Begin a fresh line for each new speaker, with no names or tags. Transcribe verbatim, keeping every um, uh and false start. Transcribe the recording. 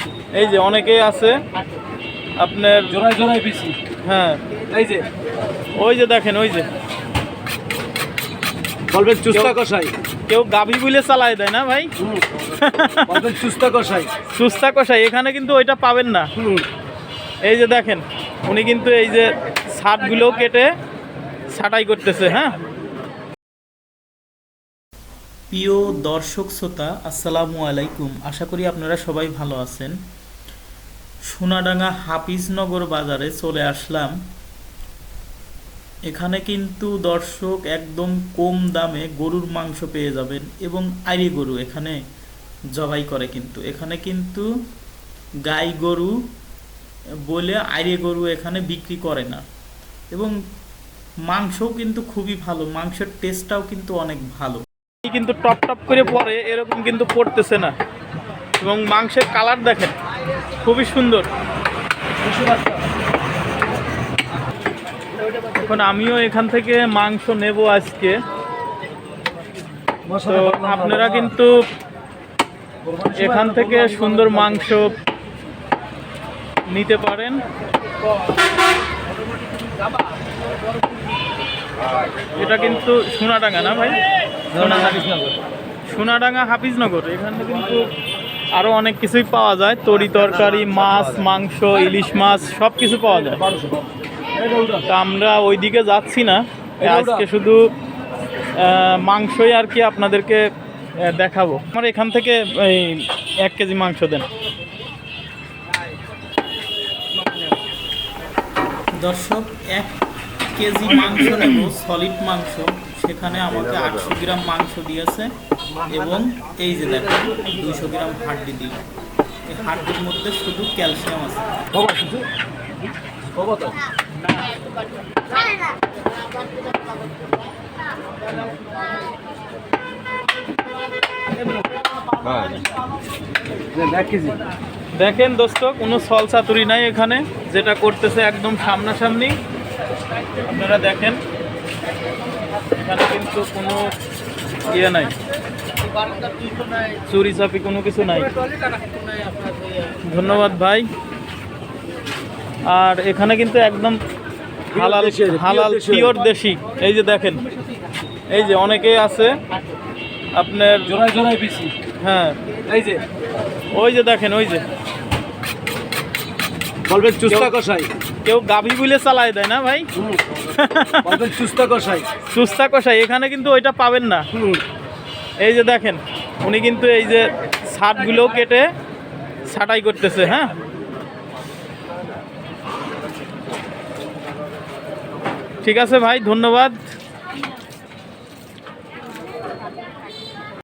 এই যে অনেকেই আছে আপনার
জোড়ায় জোড়ায় বেশি।
হ্যাঁ
এই যে
ওই যে দেখেন ওই যে
বলবেন চুস্তা কষাই,
কেউ গাভী বুলে চালায় দেয় না ভাই।
বলবেন চুস্তা কষাই।
সুস্তা কষাই এখানে কিন্তু ওইটা পাবেন না।
হুম।
এই যে দেখেন উনি কিন্তু এই যে ছাদগুলো কেটে ছাঁটাই করতেছে। হ্যাঁ, প্রিয় দর্শক শ্রোতা আসসালামু আলাইকুম, আশা করি আপনারা সবাই ভালো আছেন। সোনাডাঙ্গা হাফিজনগর বাজারে চলে আসলাম। এখানে কিন্তু দর্শক একদম কম দামে গরুর মাংস পেয়ে যাবেন এবং আইরি গরু এখানে জবাই করে। কিন্তু এখানে কিন্তু গাই গরু বলে আইরি গরু এখানে বিক্রি করে না এবং মাংসও কিন্তু খুবই ভালো, মাংসের টেস্টটাও কিন্তু অনেক ভালো। কিন্তু টপ টপ করে পড়ে এরকম কিন্তু পড়তেছে না এবং মাংসের কালার দেখেন খুবই সুন্দর। এখন আমিও এখান থেকে মাংস নেব আজকে, তো আপনারা কিন্তু এখান থেকে সুন্দর মাংস নিতে পারেন। এটা কিন্তু সোনাডাঙ্গা না ভাই? সোনাডাঙ্গা হাফিজনগর। এখানে কিন্তু আরো অনেক কিছুই পাওয়া যায়, তরি তরকারি, মাছ, মাংস, ইলিশ মাছ সব কিছু পাওয়া যায়। তা আমরা ওইদিকে যাচ্ছি না, আজকে শুধু মাংসই আর কি আপনাদেরকে দেখাবো। আমার এখান থেকে এই এক কেজি মাংস দেন দর্শক। এক কেজি মাংস নেব, সলিড মাংস। সেখানে আমাকে আটশো গ্রাম মাংস দিয়েছে এবং এই যে দেখেন দুইশো গ্রাম হাড্ডি দিল। এই হাড্ডির মধ্যে শুধু ক্যালসিয়াম আছে। দেখেন দোস্ত, কোনো সল চাতুরি নাই এখানে, যেটা করতেছে একদম সামনাসামনি। আপনারা দেখেন এখানে কিন্তু কোনো ইয়ে নাই, চুরি চাপি কোনো কিছু নাই। ধন্যবাদ ভাই। আর এখানে কিন্তু একদম হালাল হালাল পিওর দেশি। এই যে দেখেন এই যে অনেকেই আছে আপনার
জোড়ায় জোড়ায় বেশি।
হ্যাঁ,
এই যে
ওই যে দেখেন ওই যে
বলবেন চুস্তা কষাই,
কেউ গাভী বুলে চালায় দেয় না ভাই।
বলবেন চুস্তা কষাই।
সুস্তা কষাই এখানে কিন্তু ওইটা পাবেন না। এই যে দেখেন উনি কিন্তু এই যে ছাদগুলো কেটে ছাঁটাই করতেছে। হ্যাঁ, ঠিক আছে ভাই, ধন্যবাদ।